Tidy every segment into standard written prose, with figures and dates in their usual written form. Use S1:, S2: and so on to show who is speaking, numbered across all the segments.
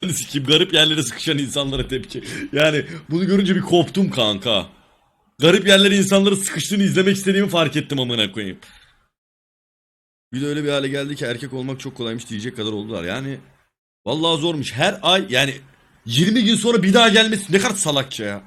S1: Sikeyim, garip yerlere sıkışan insanlara tepki. Yani bunu görünce bir koptum kanka. Garip yerlere insanların sıkıştığını izlemek istediğimi fark ettim amına koyayım. Bir de öyle bir hale geldi ki erkek olmak çok kolaymış diyecek kadar oldular. Yani vallahi zormuş. Her ay yani 20 gün sonra bir daha gelmesi ne kadar salakça ya.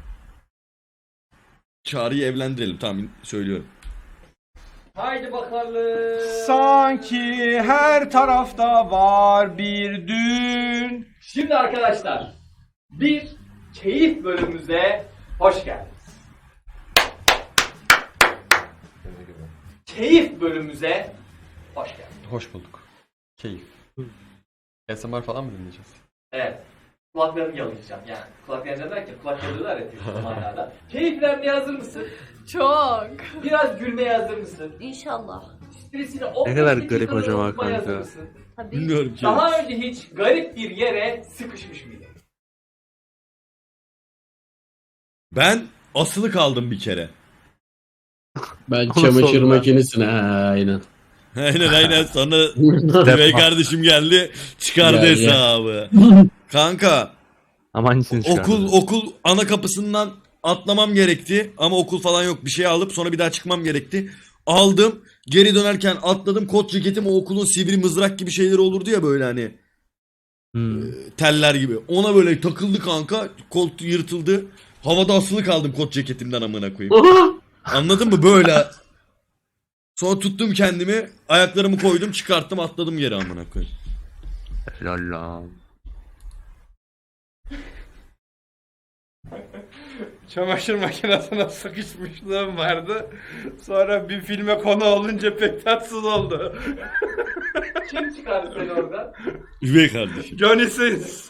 S1: Çağrı'yı evlendirelim, tamam söylüyorum.
S2: Haydi bakalım.
S3: Sanki her tarafta var bir düğün.
S2: Şimdi arkadaşlar bir keyif bölümümüze hoş geldiniz. Keyif bölümümüze hoş geldiniz.
S4: Hoş bulduk. Keyif. ASMR falan mı dinleyeceğiz?
S2: Evet. Kulaklarını yalayacağım yani. Kulak yalayacağım derken kulak yalıyorlar ya Türk zamanlarda. Keyiflenmeye hazır mısın?
S5: Çok.
S2: Biraz gülmeye hazır mısın?
S5: İnşallah.
S2: Stresini
S6: Ne kadar garip acaba kanka?
S5: Tabii.
S1: Bilmiyorum ki.
S2: Daha önce hiç garip bir yere sıkışmış mıydın?
S1: Ben asılı kaldım bir kere.
S6: Ben
S4: Nasıl
S6: çamaşır
S4: oldu lan?
S6: makinesine aynen.
S1: Aynen sonra Bey kardeşim geldi çıkardı
S6: Gel, gel.
S1: hesabı. Kanka
S4: Aman için
S1: okul ana kapısından atlamam gerekti ama okul falan yok, bir şey alıp sonra bir daha çıkmam gerekti. Aldım, geri dönerken atladım, kot ceketim o okulun sivri mızrak gibi şeyleri olurdu ya böyle hani teller gibi, ona böyle takıldı kanka, koltuğu yırtıldı, havada asılı kaldım kot ceketimden amına koyayım. Anladın mı böyle? Sonra tuttum kendimi, ayaklarımı koydum, çıkarttım, atladım yere amına koyayım.
S4: Lala.
S3: Çamaşır makinesine sıkışmışlığım vardı. Sonra bir filme konu olunca pek tatsız oldu.
S2: Kim çıkardı seni oradan?
S1: Üvey kardeşim.
S3: Johnny Sins.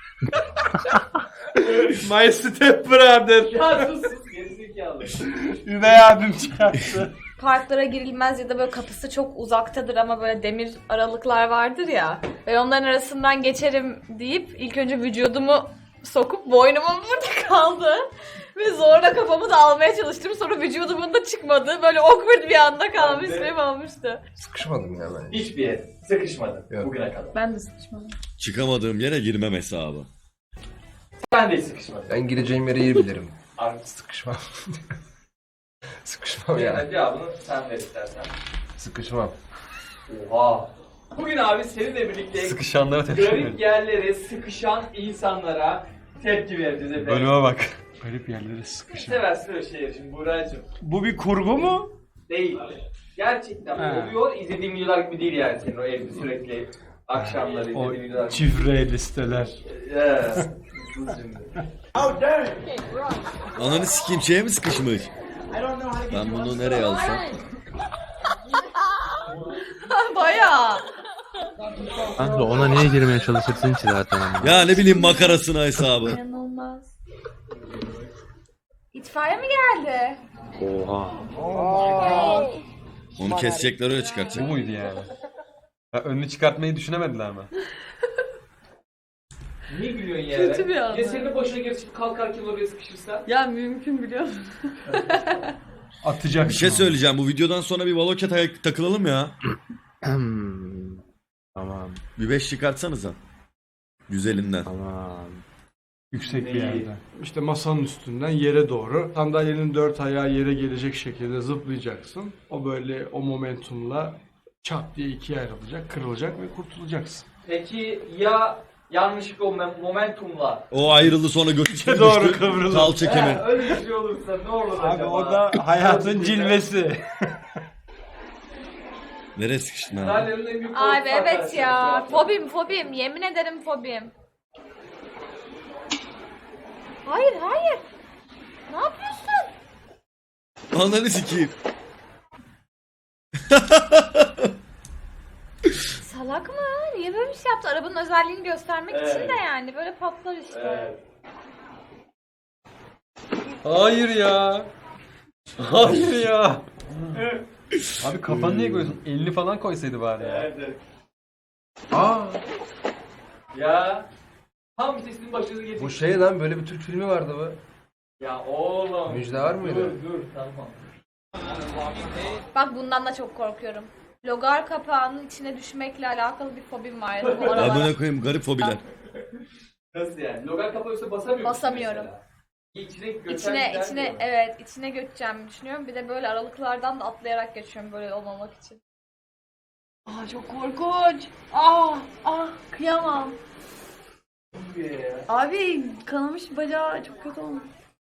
S3: My Step Brother.
S2: Ya sus sus gerizekalı.
S3: Üvey abim çıkarttı.
S5: Parklara girilmez ya da böyle kapısı çok uzaktadır ama böyle demir aralıklar vardır ya. Ben onların arasından geçerim deyip ilk önce vücudumu sokup boynumun burada kaldı. Ve zorla kafamı da almaya çalıştım. Sonra vücudumun da çıkmadı. Böyle awkward bir anda kalmış benim olmuştu.
S7: Sıkışmadım ya ben.
S2: Hiçbir yer sıkışmadım
S7: Yok.
S2: bugüne kadar.
S5: Ben de sıkışmadım.
S1: Çıkamadığım yere girmem hesabı.
S2: Ben de hiç sıkışmadım.
S7: Ben gireceğim yeri iyi bilirim.
S2: Abi
S7: Sıkışmam. Sıkışmam ya.
S2: yani cevabını sen ver istersen.
S7: Sıkışmam.
S2: Oha. Bugün abi seninle birlikte
S4: Sıkışanlara tepki
S2: garip
S4: verin.
S2: yerlere sıkışan insanlara tepki vereceğiz efendim.
S4: Bölüme bak.
S3: Garip yerlere sıkışın.
S2: Seversin öyle şeyleri şimdi Buğra'cığım.
S3: Bu bir kurgu mu?
S2: Değil. Gerçekten
S3: He.
S2: oluyor. İzlediğim videolar gibi değil yani senin o evde sürekli akşamları
S3: O
S2: izlediğin videolar.
S3: çifre listeler.
S2: Evet. Sus şimdi.
S1: Ananı sikeyim, şeye mi sıkışmış? Ben bunu nereye alsam?
S5: Bayağı.
S6: Kanka ona niye girmeye çalışırsın ki zaten?
S1: Ya ne bileyim, makarasına hesabı.
S5: İnanılmaz. İtfaiye mi geldi?
S6: Oha.
S1: Onu kesecekler, öyle
S4: Bu
S1: çıkartacak.
S4: muydu yani? Ya önünü çıkartmayı düşünemediler mi?
S2: Niye gülüyorsun ya?
S5: Kötü bir anı.
S2: Ya senin de başına geçip kalkarken oraya sıkışırsan?
S5: Ya mümkün biliyor musun?
S3: Atacaksın.
S1: Bir şey söyleyeceğim, bu videodan sonra bir Valoket'e takılalım ya.
S6: Tamam
S1: Bir 5 çıkartsanıza. Güzelinden.
S6: tamam.
S3: Yüksek bir
S2: Neyi?
S3: yerden. İşte masanın üstünden yere doğru sandalyenin dört ayağı yere gelecek şekilde zıplayacaksın. O böyle o momentumla çat diye ikiye ayrılacak, kırılacak ve kurtulacaksın.
S2: Peki ya yanlışlıkla o momentumla?
S1: O ayrıldı sonra götü
S3: Doğru kıvrılıp.
S1: kalça kemir.
S2: Öyle bir şey olursa ne olur
S3: Abi
S2: acaba?
S3: o da hayatın cilvesi.
S1: Nereye sıkıştın abi?
S2: Sahnenin en büyük
S5: Abi
S2: korkusu
S5: evet
S2: arkadaşlar
S5: ya.
S2: şu an.
S5: Fobim. Yemin ederim fobim. Hayır. Ne yapıyorsun?
S1: Ananı sikeyim.
S5: Salak mı? Niye böyle bir şey yaptı? Arabanın özelliğini göstermek
S2: Evet.
S5: için de yani. Böyle patlar işte.
S2: Evet.
S4: Hayır ya. Hayır ya. Abi kafanı niye koyuyorsun? Elini falan koysaydı bari ya.
S2: Evet, evet.
S7: Aa,
S2: Ya tam sesinin başınıza gelecek.
S7: bu şey lan, böyle bir Türk filmi vardı bu.
S2: Ya oğlum.
S7: Müjde var mıydı?
S2: Dur tamam.
S5: Bak bundan da çok korkuyorum. Logar kapağının içine düşmekle alakalı bir fobim var. Bu aralar.
S1: Amına koyayım, garip fobiler.
S2: Nasıl yani? Logan kapağı üstüne basamıyor musun
S5: Basamıyorum.
S2: mesela? İçine göçer
S5: İçine
S2: gider
S5: içine
S2: diyor.
S5: evet içine göçeceğimi düşünüyorum. Bir de böyle aralıklardan da atlayarak geçiyorum böyle olmamak için. Aa çok korkunç. Kıyamam. Abi kanamış bacağı çok kötü olmuş.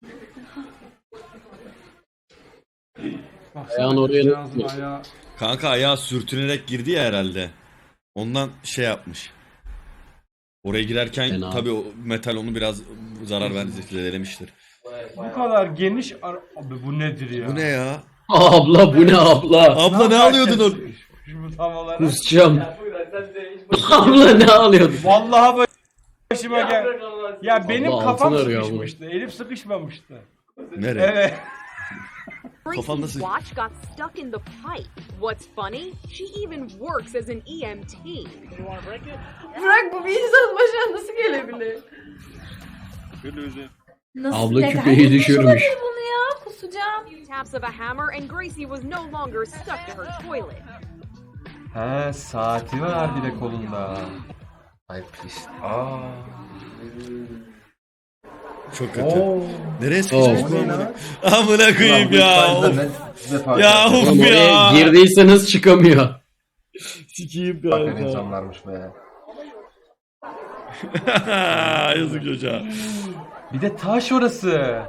S6: Ayağın oraya
S3: Kızcağızın
S6: nasıl-
S3: ayağı
S1: Kanka ayağı sürtünerek girdi ya herhalde. Ondan şey yapmış. Oraya girerken
S6: Fena.
S1: tabii o metal onu biraz zarar verdi, zedelemiştir.
S3: bu kadar geniş abi bu nedir ya?
S1: Bu ne ya?
S6: Abla bu ne abla?
S1: Abla ne alıyordun orada?
S3: Şu tam olarak.
S6: Kusacağım.
S2: Ya buyur hadi sen de hiç
S6: Abla ne alıyordun?
S3: Vallahi başıma gel.
S2: bırak Allah aşkına.
S3: Ya benim
S6: Allah
S3: kafam
S6: altın arıyor
S3: sıkışmıştı. Elim sıkışmamıştı.
S1: Nereye?
S3: Evet.
S1: Kafan nasıl?
S8: watch got stuck in the pipe. What's funny? She even works as an EMT.
S5: Bırak bu bir insanın başına nasıl gelebilir? Nasıl?
S6: Abla
S5: neden
S6: küpeyi
S5: yapmış
S6: düşürmüş.
S5: olabilir bunu ya? Kusacağım.
S8: Taps of a hammer and Gracie was no longer stuck to her toilet.
S4: He saati var bir de kolunda.
S7: Ay pis. Aa.
S1: Çok kötü. Nereye sıkışmış
S6: Oh.
S1: bu amına? Amına koyayım ya. Of. Ya
S6: Oğlum
S1: of
S6: oraya
S1: ya.
S6: girdiyseniz çıkamıyor.
S1: Sikiyim
S7: Bakın
S1: kanka.
S7: insanlarmış be.
S1: Yazık çocuğa.
S4: Bir de taş orası.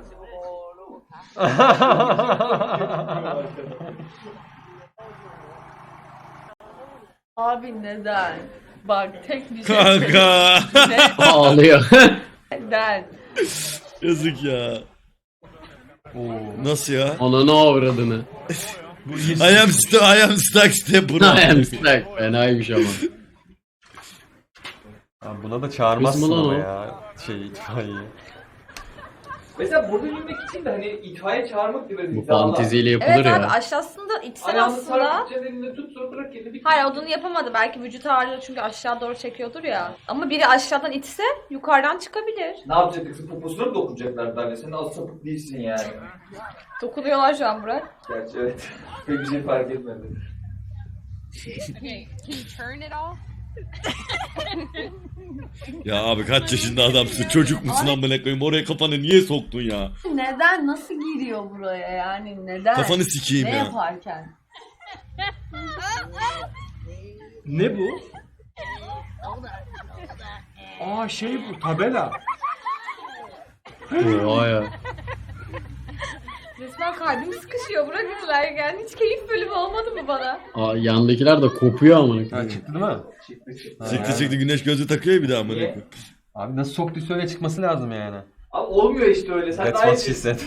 S5: Abi neden? Bak tek bir şey
S1: Kanka.
S6: Ağlıyor.
S5: neden?
S1: Yazık ya. Nasıl ya?
S6: Ananı avradını.
S1: I am stuck step bro.
S6: I am stuck. Fenaymış ama.
S4: Abi buna da çağırmazsın
S6: Kızım lan
S4: ama
S6: o.
S4: ya. Itfaiye.
S2: Mesela burada yürümek için de hani itfaiye çağırmak gibi bir
S6: Bu
S2: hizalar.
S6: fanteziyle yapılır
S5: Evet abi
S6: ya.
S5: aşağısında içsen
S2: Ayağını
S5: aslında.
S2: sarıp elinde tut sonra bırak elini bir.
S5: Hayır onu yapamadı. Belki vücut ağırlığı çünkü aşağı doğru çekiyordur ya. Ama biri aşağıdan itse yukarıdan çıkabilir.
S2: Ne yapacaktık? Poposuna mı dokunacaklar bence? Sen az sapık değilsin yani.
S5: Dokunuyorlar şu an Burak.
S2: Gerçi evet. Pek bir şey fark etmedi.
S8: Okay, can you turn it off?
S1: Ya abi kaç yaşında adamsın? Çocuk musun amına koyayım? Oraya kafanı niye soktun ya?
S5: Neden? Nasıl giriyor buraya yani? Neden?
S1: Kafanı sikeyim
S5: ne
S1: ya.
S5: yaparken?
S3: Ne bu? Aa şey bu tabela.
S6: Oha ya.
S5: Resmen kalbim sıkışıyor. Burak izlerken. Hiç keyif bölümü olmadı mı bana?
S6: Aa, yandakiler de kopuyor amına
S4: Ha
S6: koyayım.
S4: çıktı değil mi?
S1: Çıktı güneş gözü takıyor ya bir daha amına
S2: Niye?
S1: koyayım.
S4: Abi nasıl soktuysa öyle çıkması lazım yani.
S2: Abi olmuyor işte öyle. Sen
S4: That's
S2: daha iyi
S4: what she said.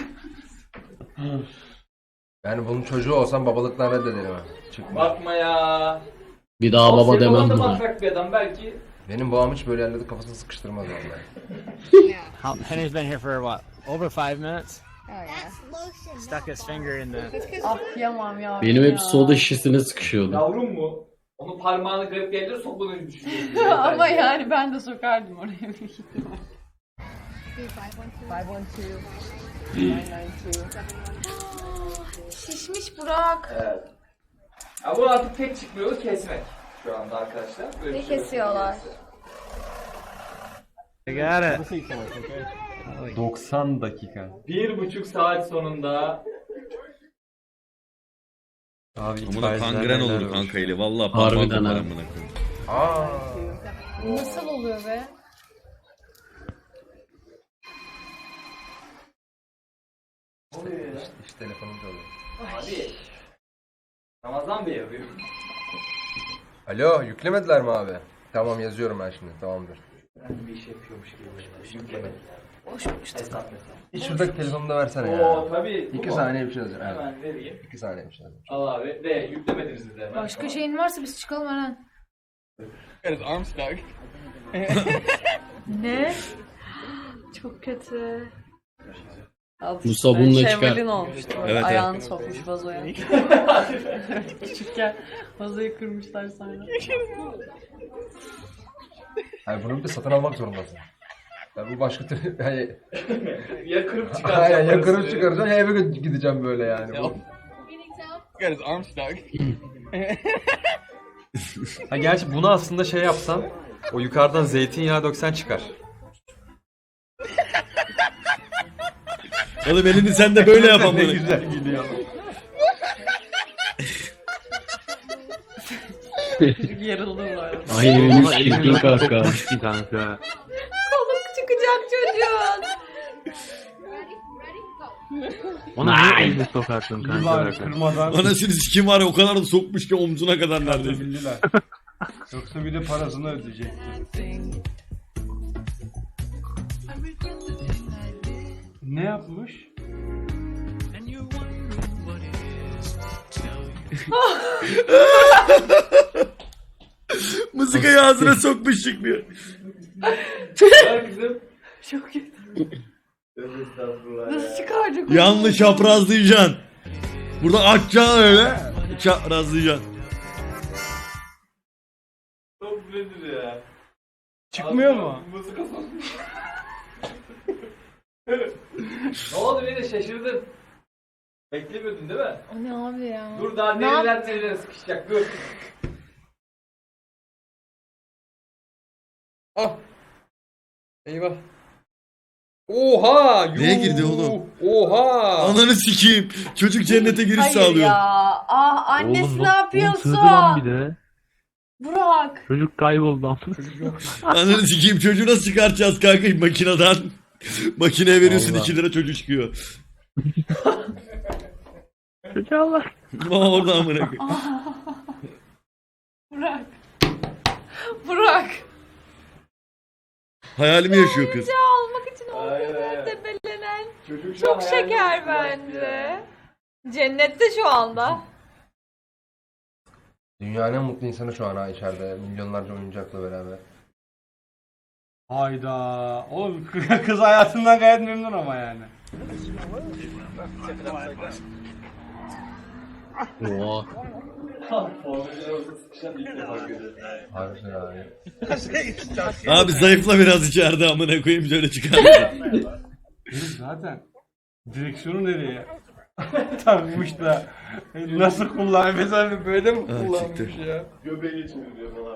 S7: Yani bunun çocuğu olsam babalıktan reddederim ha. Çıkma.
S2: Bakma ya.
S6: Bir daha baba
S2: Senin
S6: demem
S2: baban da
S6: buna.
S2: matrak bir adam belki.
S7: Benim babam hiç böyle yerlerde kafasını sıkıştırmaz vallahi.
S9: Henry's been here for what? Over 5 minutes? Stuck his finger in the.
S5: Ah kıyamam ya.
S6: Benim hep soda şişesine sıkışıyordu.
S2: Yavrum mu? Onu parmağını garip yerlere sokmadığını düşünüyorum.
S5: Ama yani ben de sokardım oraya bir ihtimal. 512. Şişmiş Burak.
S2: Evet. Ya bu artık tek çıkmıyoruz kesmek şu anda arkadaşlar. Böyle
S5: Ne
S2: bir şey yok.
S5: kesiyorlar?
S9: I got it.
S4: 90 dakika.
S2: 1,5 saat sonunda
S4: Abi
S1: Amına
S4: itfaiyeciler
S1: kangren
S4: neler
S1: oldu
S4: var.
S1: kanka eli. Vallahi
S6: Harbiden
S1: parmak
S6: ha.
S1: var amına koyayım.
S7: Aa.
S5: Nasıl oluyor be?
S7: İşte telefonum çalıyor.
S2: abi Ramazan Bey arıyor.
S7: Alo, yüklemediler mi abi? Tamam yazıyorum ben şimdi. Tamamdır.
S2: Ben bir iş yapıyormuş gibi. Yüklemediler.
S5: Boşmuş.
S2: Hesap mesela.
S7: Hiç şuradaki telefonumu da versene
S2: Oo
S7: ya.
S2: tabii.
S7: 2 saniye bir şey yazacağım. Evet.
S2: Hemen vereyim.
S7: 2 saniye bir şey yazacağım.
S2: Al abi. Ve yüklemediniz de hemen.
S5: Başka şeyin varsa biz çıkalım Eren. Ne? Çok kötü.
S6: Bu sabunla çıkar.
S5: Şevval'in olmuştu.
S1: Evet,
S5: Ayağını sokmuş vazoya. Küçükken vazoyu kırmışlar sonra.
S7: Hayır bunu bir de satın almak zorundasın. Yani bu başka türlü... Yani,
S2: Ya kırıp çıkaracağım.
S7: aynen ya kırıp
S2: parasını.
S7: çıkaracağım ya eve gideceğim böyle yani. Bu...
S4: Ha gerçi bunu aslında şey yapsan, o yukarıdan zeytinyağı döksen çıkar.
S1: Oğlum elini sen de böyle yap
S3: Ne
S1: amına.
S3: güzel gidiyor.
S6: Ay elini kanka. Kanka.
S5: Kolum çıkacak çocuğun.
S6: Ona niye elini sokarsın kanka?
S3: Yıllar kırmadan
S1: Anasını sikim var ya o kadar da sokmuş ki omzuna kadar neredeyse.
S3: bildiler. Yoksa bir de parasını ödeyecek. Ne yapmış?
S1: Mızıkayı ağzına sokmuş çıkmıyor.
S2: Ya kızım.
S5: Çok kötü.
S2: Estağfurullah
S5: Nasıl
S2: ya.
S5: çıkaracak onu?
S1: Yanlış çaprazlayacaksın. Burada açacaksın öyle. Çaprazlayacaksın.
S2: Çok nedir ya?
S3: Çıkmıyor mu?
S2: Mızıka sokmuş. Ne oldu beni şaşırdın. Beklemiyordun değil mi?
S5: O ne abi ya?
S2: Dur daha
S5: Ne yap-
S2: nereler sıkışacak dur.
S7: Ah. Eyvah. Oha!
S1: Neye girdi oğlum?
S7: Oha!
S1: Ananı sikeyim. Çocuk cennete giriş
S5: Hayır
S1: sağlıyor.
S5: ya. Ah annesi
S6: Oğlum,
S5: ne
S6: oğlum
S5: yapıyorsun?
S6: sığdı lan bir de.
S5: Burak.
S6: Çocuk kayboldu lan.
S1: Ananı sikeyim çocuğu nasıl çıkartacağız kanka makineden? Makineye veriyorsun
S6: Allah.
S1: 2 lira çocuk çıkıyor.
S6: Çocuğa bak.
S1: Orada amına koyayım.
S5: Burak. Burak.
S1: Hayalimi yaşıyor kız.
S5: Ya almak için o
S2: Aynen.
S5: kadar tepelenen.
S2: Çocuk şu an
S5: Çok
S2: hayalini
S5: şeker
S2: yaşıyor
S5: bence.
S2: ya.
S5: Cennette şu anda.
S7: Dünyanın en mutlu insanı şu an ha içeride. Milyonlarca oyuncakla beraber.
S3: Hayda. Oğlum kız hayatından gayet memnun ama yani.
S6: Oha.
S2: Formüller olsa sıkışan ilk defa görüyorum.
S7: Harika yani.
S1: Abi zayıfla biraz içeride amına koyayım şöyle çıkar.
S3: Herif zaten direksiyonu nereye takmış da nasıl kullanıyor? Mesela böyle mi kullanmış
S1: siktir.
S3: ya?
S2: Göbeği çeviriyor falan.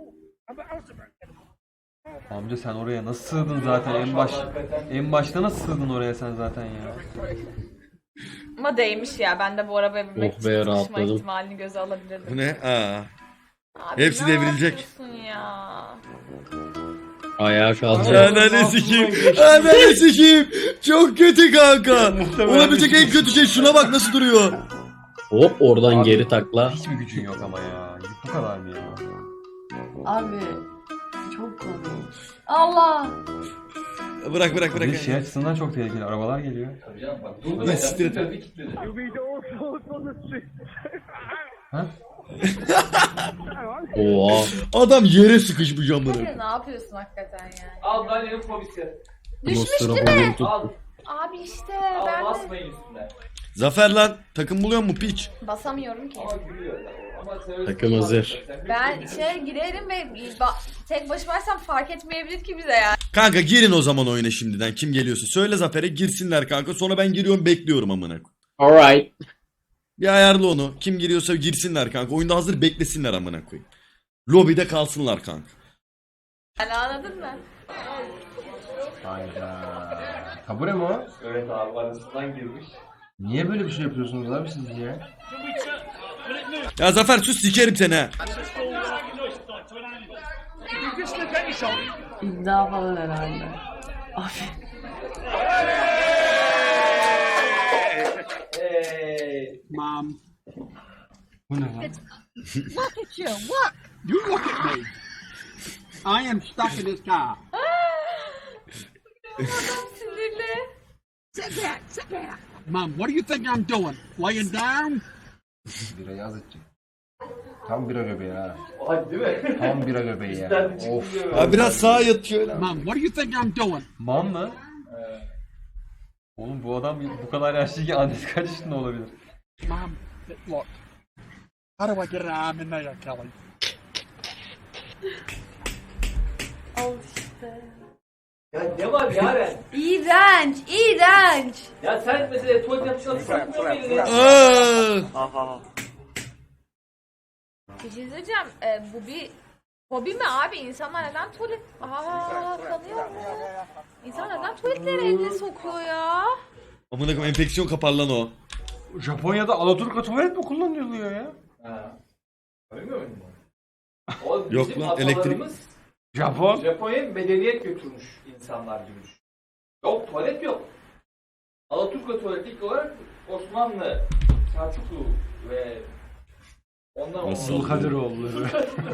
S4: Amca sen oraya nasıl sığdın zaten en başta nasıl sığdın oraya sen zaten ya?
S5: Ama değmiş ya. Ben de bu arabaya binmek
S6: Oh
S5: için
S6: be,
S5: sıkışma
S6: rahatladım.
S5: ihtimalini göze alabilirdim.
S1: Bu ne? Aa.
S5: Abi
S1: Hepsi
S5: ne
S1: devrilecek.
S5: yapıyorsun ya?
S6: Ayağa kalacak.
S1: Ananı sikeyim. Ananı sikeyim. Çok kötü kanka. Olabilecek en kötü şey şuna bak nasıl duruyor.
S6: Hop oradan
S4: Abi,
S6: geri takla.
S4: Hiç mi gücün yok ama ya? Bu kadar mı ya?
S5: Abi çok komik. Allah.
S1: Bırak bırak
S4: Bir
S1: bırak.
S4: de şey açısından çok tehlikeli. Arabalar geliyor.
S2: Tabii canım bak. Dur
S1: Lan siktir et.
S2: trafiği kilitledi.
S4: Ha?
S6: Oha.
S1: Adam yere sıkışmış amına.
S5: Hayır, ne yapıyorsun hakikaten yani?
S2: Al Daniel'in fobisi.
S5: Düşmüş değil
S6: Monster'a
S5: mi?
S6: boyun tut.
S2: Al.
S5: Abi işte
S2: Al
S5: ben de
S2: basmayın üstüne.
S1: Zafer lan takım buluyor mu piç?
S5: basamıyorum ki.
S2: Ama gülüyor. Ama sen
S6: Takım hazır.
S5: Ben girerim ve tek başımaysam fark etmeyebilir ki bize yani.
S1: Kanka girin o zaman oyuna şimdiden kim geliyorsa. Söyle Zafer'e girsinler kanka sonra ben giriyorum bekliyorum amına.
S6: Alright.
S1: Bir ayarla onu. Kim giriyorsa girsinler kanka. Oyunda hazır beklesinler amına koyayım. Lobide kalsınlar kanka.
S5: Yani anladın mı?
S7: Hayda. Kabure mi o?
S2: Evet abi arasından girmiş.
S7: Niye böyle bir şey yapıyorsunuz abi siz ya?
S1: Ya Zafer sus sikerim seni ha.
S5: İddia falan herhalde.
S2: Hey.
S9: Mom,
S3: Bu ne lan?
S9: look at you. Look. You look at me. I am stuck in this car.
S5: Sinirli.
S9: Sit back. Sit back. Mom, what do you think I'm doing? Laying down?
S7: Birayı az içecek. Tam bira göbeği ha.
S2: Hadi değil mi?
S7: Tam bira göbeği ya.
S2: İster de
S7: Of.
S2: çıkmıyor.
S1: Ya biraz sağa yat şöyle.
S9: Mom, what do you think I'm doing?
S4: Man mı? Oğlum bu adam bu kadar yaşlıyken annesi kaç yaşında olabilir?
S9: Mom, look. How do I get an arm in there, Kelly?
S5: Al işte.
S2: Ya ne var Yaren?
S5: İğrenç, iğrenç.
S2: Ya sen mesela tuvalet yapışına sıkmıyor muydun elini?
S1: Aa!
S5: Bir şey söyleyeceğim. Bu bir hobi mi abi? İnsanlar neden tuvalet... Aa kanıyor mu? İnsan neden tuvaletlere elini sokuyor ya?
S1: Amına koyayım enfeksiyon kapar lan o.
S3: Japonya'da Alaturka tuvalet mi kullanılıyor ya?
S2: Ha. Bilmiyor musun? O
S1: Yok
S2: bizim
S1: lan, elektrik-
S2: atalarımız
S3: Japon.
S2: Japonya'ya medeniyet götürmüş insanlar gibi düşün. Yok tuvalet yok. Alaturka tuvaleti ilk olarak Osmanlı, Selçuklu ve ondan
S1: Nasıl?
S2: sonra
S3: Zulkadiroğulları.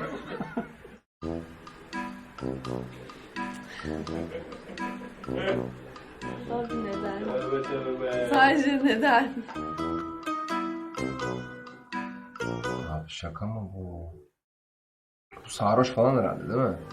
S5: Abi neden?
S2: Tövbe tövbe.
S5: Sadece neden?
S7: Abi şaka mı bu? Bu sarhoş falan herhalde değil mi?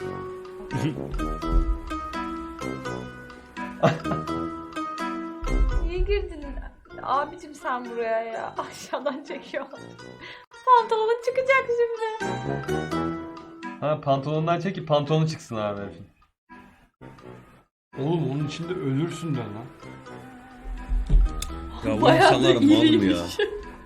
S5: Niye girdin? Abicim sen buraya ya. Aşağıdan çekiyor. Pantolonun çıkacak şimdi.
S4: Ha pantolondan çek ki pantolonu çıksın abi herifin.
S3: Oğlum onun içinde ölürsün de lan.
S1: Ya bu
S5: Bayağı da
S1: insanlar mal mı ya?
S5: iyiymiş.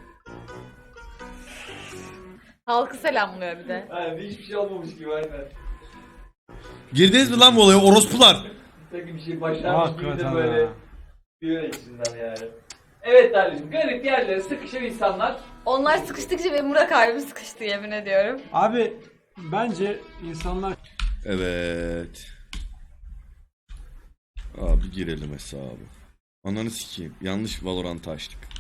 S5: Halkı selamlıyor bir de.
S2: Yani hiçbir şey olmamış gibi aynen.
S1: Girdiniz mi lan bu olaya orospular?
S2: Sanki bir şey başarmış gibi de
S3: Hakikaten
S2: böyle
S3: ha.
S2: diyor içinden yani. Evet Darlıcığım, garip yerlere sıkışan insanlar.
S5: Onlar sıkıştıkça benim Burak abim sıkıştı yemin ediyorum.
S3: Abi bence insanlar
S1: Evet. Abi girelim hesabı. Ananı sikeyim. Yanlış Valorant'ı açtık.